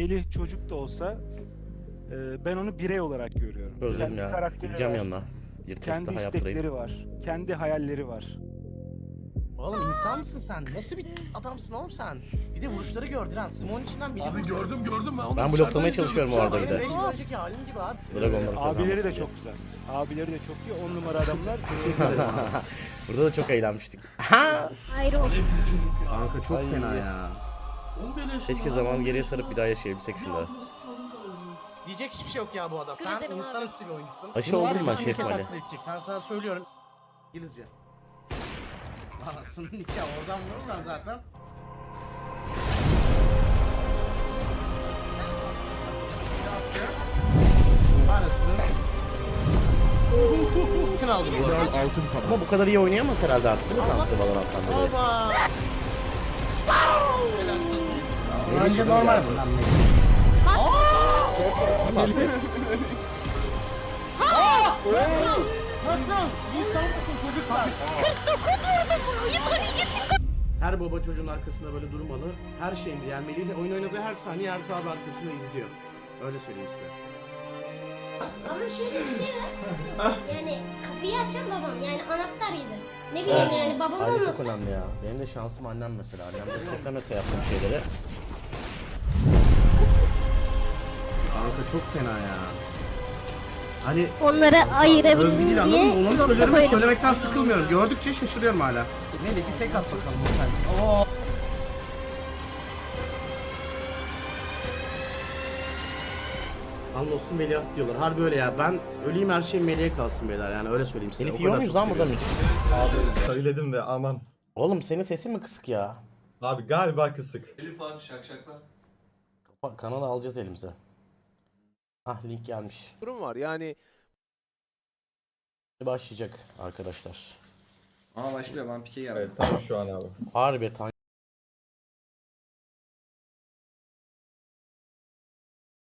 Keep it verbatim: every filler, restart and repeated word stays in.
Melih çocuk da olsa e, ben onu birey olarak görüyorum. Özledim Kendi ya. karakteri Gideceğim var, yanına. Bir test kendi daha yaptırayım. istekleri var, kendi hayalleri var. Oğlum insan mısın sen? Nasıl bir adamsın oğlum sen? Bir de vuruşları gördün ha. Simon içinden biri Abi gördüm gördüm ben onu. Ben dışarıdan bloklamaya izliyordum. çalışıyorum o arada bir de. beş yıl önceki halim gibi abi. Dragonları kazanmasın Abileri de diye. çok güzel. Abileri de çok iyi. On numara adamlar. Teşekkür ederim abi. Burada da çok eğlenmiştik. Ayrı olsun. Kanka çok Ay. fena ya. Keşke zaman geriye sarıp bir daha yaşayabilsek şunda. Diyecek hiçbir şey yok ya bu adam. Sen ederim insanüstü bir oyuncusun. Aşı Bunu var oldum ya, ben bütün Şef ülke Mali. taklit edecek. Ben sana söylüyorum. İngilizce. Anasının nikahı oradan vurursan zaten. Parasını. Bütün aldı bu arada. Altın taban. Ama bu kadar iyi oynayamaz herhalde artık değil mi Counter Valorant'tan dolayı? Oba. Bence normal bundan. Her baba çocuğun arkasında böyle durmalı. Her şeyinde yenmeliyle oyun oynadığı her saniye Ertuğ abi arkasında izliyor. Öyle söyleyeyim size. Ama şöyle bir şey var. Yani kapıyı açan babam. Yani anahtarıydı. Ne bileyim yani babam Aile ama. çok önemli ya. Benim de şansım annem mesela. Annem desteklemese yaptığım şeyleri. Kanka çok fena ya. Hani Onları övgü ayırabildim değil anladın diye mı? Onu nokta söylerim, koydum. söylemekten sıkılmıyorum. Gördükçe şaşırıyorum hala. Neyse bir tek at bakalım sen. Oo. Anlos'un Veliaht diyorlar. Harbi öyle ya. Ben öleyim her şey Melih'e kalsın beyler yani öyle söyleyeyim size. Elif O yiyor kadar muyuz çok lan burada mı seviyorum. hiç? Söyledim de aman. Oğlum senin sesin mi kısık ya? Abi galiba kısık. Elif var şakşaklar. Bak kanalı alacağız elimize. Ah link gelmiş. durum var. Yani Başlayacak arkadaşlar. Aa başlıyor ben pike geldim. Evet tamam şu an abi. Harbi tan